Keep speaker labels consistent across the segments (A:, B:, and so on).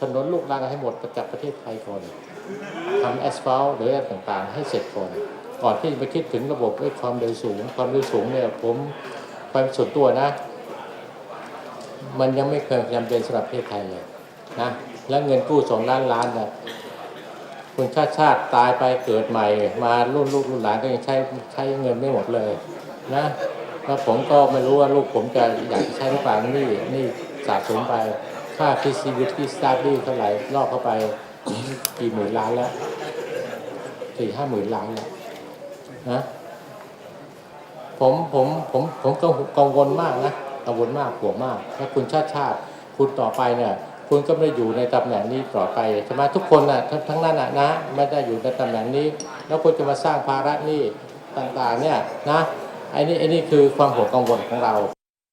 A: นนลูกรังให้หมดจากประเทศไทยก่อนทำแอสฟัลต์หรืออะไรต่างๆให้เสร็จก่อนที่จะไปคิดถึงระบบความเร็วสูงเนี่ยผมไปส่วนตัวนะมันยังไม่เคยจำเป็นสำหรับประเทศไทยเลยนะแล้วเงินกู้2 ล้านล้านเนี่ยคุณชาติตายไปเกิดใหม่มารุ่นลูกรุ่นหลานก็ยังใช้เงินไม่หมดเลยนะแล้วผมก็ไม่รู้ว่าลูกผมจะอยากจะใช้หรือเปล่านี่สะสมไปค่า feasibility study เท่าไหร่ลอกเข้าไปกี่หมื่นล้านแล้ว4-5 หมื่นล้านแล้วนะผมกังวลมากนะกังวลมากห่วงมากถ้าคุณชาติคุณต่อไปเนี่ยคุณก็ไม่ได้อยู่ในตำแหน่งนี้ต่อไปใช่ไหมทุกคนน่ะทั้งนั้นนะไม่ได้อยู่ในตำแหน่งนี้แล้วคุณจะมาสร้างภาระหนี้ต่างๆเนี่ยนะไอ้นี่คือความห่วงกังวลของเรา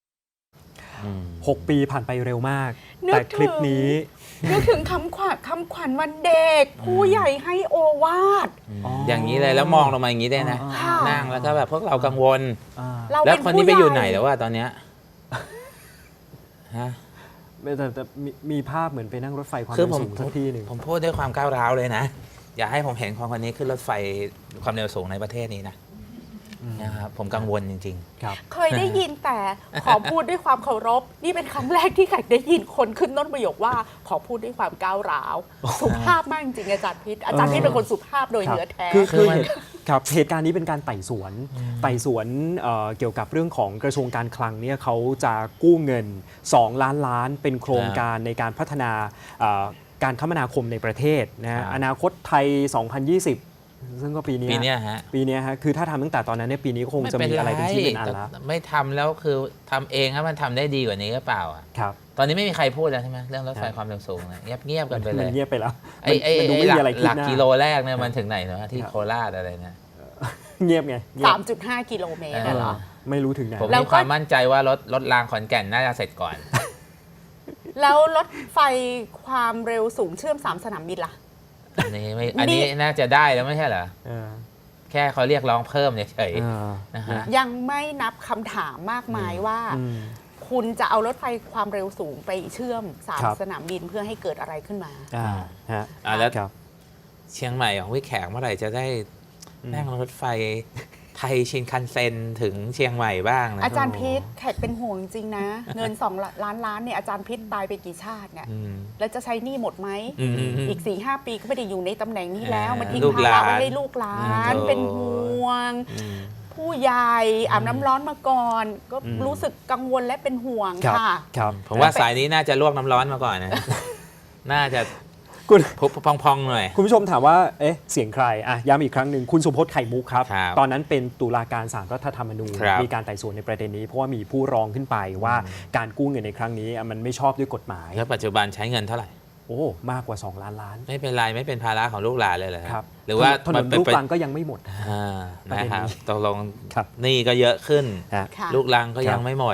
B: 6 ปีผ่านไปเร็วมากแต่คลิปนี้
C: นึกถึงคำขวัญวันเด็กผู้ใหญ่ให้โอวาท
D: อย่างนี้เลยแล้วมองลงมาอย่างนี้ได้นะนั่งแล้วก็แบบพวกเรากังวลแล้วคนนี้ไปอยู่ไหนแล้วว่าตอนเนี้ยฮะ
B: แต่มีภาพเหมือนไปนั่งรถไฟความ
D: เร็ว
B: สูงสักทีหนึ่ง
D: ผมพูดด้วยความก้าวร้าวเลยนะอย่าให้ผมเห็นคนนี้ขึ้นรถไฟความเร็วสูงในประเทศนี้นะครับผมกังวลจริง
B: ๆครับ
C: เคยได้ยินแต่ขอพูดด้วยความเคารพนี่เป็นครั้งแรกที่แขกได้ยินคนขึ้นต้นประโยคว่าขอพูดด้วยความก้าวร้าวสุภาพมากจริงอาจารย์พิษเป็นคนสุภาพโดยเนื้อแท้
B: คือครับเหตุการณ์นี้เป็นการไต่สวนเกี่ยวกับเรื่องของกระทรวงการคลังเนี่ยเขาจะกู้เงิน2 ล้านล้านเป็นโครงการในการพัฒนาการคมนาคมในประเทศนะอนาคตไทย 2020ซึ่งก็ปีนี้ฮะคือถ้าทำตั้งแต่ตอนนั้นเนี่ยปีนี้คงจะมีอะไรเป็นที่เป็นอันแล้ว
D: ไม่ทำแล้วคือทำเองถ้ามันทำได้ดีกว่านี้ก็เปล่า
B: ครับ
D: ตอนนี้ไม่มีใครพูดแล้วใช่ไหมเรื่องรถไฟความเร็วสูงเงียบกันไปเลย
B: เงียบไปแล้ว
D: ไอ้หลักกิโลแรกเนี่ยมันถึงไหนเนาะที่โคราชอะไรเนี่ย
B: เงียบไง
C: 3.5 กิโลเมตรเหรอ
B: ไม่รู้ถึงไหน
D: ผมมีความมั่นใจว่ารถรางขอนแก่นน่าจะเสร็จก่อน
C: แล้วรถไฟความเร็วสูงเชื่อม3 สนามบินล่ะ
D: อันนี้น่าจะได้แล้วไม่ใช่เหรอแค่เขาเรียกร้องเพิ่มเฉยๆนะฮะ
C: ยังไม่นับคำถามมากมายว่าคุณจะเอารถไฟความเร็วสูงไปเชื่อม3 สนามบินเพื่อให้เกิดอะไรขึ้นมา
D: แล้วเชียงใหม่ของวิแขกเมื่อไหร่จะได้นั่งรถไฟไทยชินคันเซ็นถึงเชียงใหม่บ้างนะ
C: อาจารย์พิษแขกเป็นห่วงจริงนะเงิน2 ล้านล้านเนี่ยอาจารย์พิษตายไปกี่ชาติเนี่ยแล้วจะใช้หนี้หมดไหมอีก 4-5 ปีก็ไม่ได้อยู่ในตำแหน่งนี้แล้วมันทิ้งภาระไว้ให้ลูกหลานเป็นห่วงผู้ใหญ่อาบน้ำร้อนมาก่อนก็รู้สึกกังวลและเป็นห่วงค่ะ
D: ผมว่าสายนี้น่าจะลวกน้ำร้อนมาก่อนนะน่าจะพองๆหน่อย
B: คุณผู้ชมถามว่าเสียงใครย้ำอีกครั้งหนึ่งคุณสุพจน์ไข่มุกครับตอนนั้นเป็นตุลาการศาลรัฐธรรมนูญมีการไต่สวนในประเด็นนี้เพราะว่ามีผู้ร้องขึ้นไปว่าการกู้เงินในครั้งนี้มันไม่ชอบด้วยกฎหมาย
D: แล้วปัจจุบันใช้เงินเท่าไหร่
B: มากกว่า2 ล้านล้าน
D: ไม่เป็นไรไม่เป็นภาระของลูกหลานเลยเหรอ
B: ครับ
D: หรือว่า
B: ถนนลูกรังก็ยังไม่หมด
D: นะครับตกลงนี่ก็เยอะขึ้นลูกรังก็ยังไม่หมด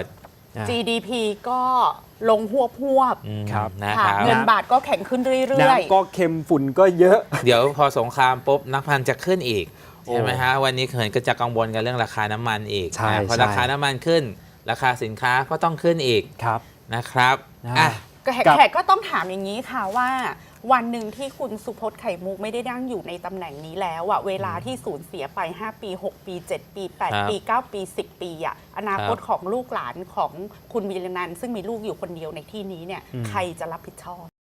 C: GDP ก็ลงหวบ
B: ครับ
C: เงินบาทก็แข็งขึ้นเรื่อย
B: ๆน้ำก็เค็มฝุ่นก็เยอะ
D: เดี๋ยวพอสงครามปุ๊บนักพันจะขึ้นอีกใช่ไหมฮะวันนี้เห็นก็จะกังวลกันเรื่องราคาน้ำมันอีกพอราคาน้ำมันขึ้นราคาสินค้าก็ต้องขึ้นอีกนะครับ
C: แขกก็ต้องถามอย่างนี้ค่ะว่าวันหนึ่งที่คุณสุพจน์ไข่มุกไม่ได้นั่งอยู่ในตำแหน่งนี้แล้วเวลาที่สูญเสียไป5 ปี6 ปี7 ปี8 ปี9 ปี10 ปีอนาคตของลูกหลานของคุณวีรนันท์ซึ่งมีลูกอยู่คนเดียวในที่นี้เนี่ยใครจะรับผิดชอบ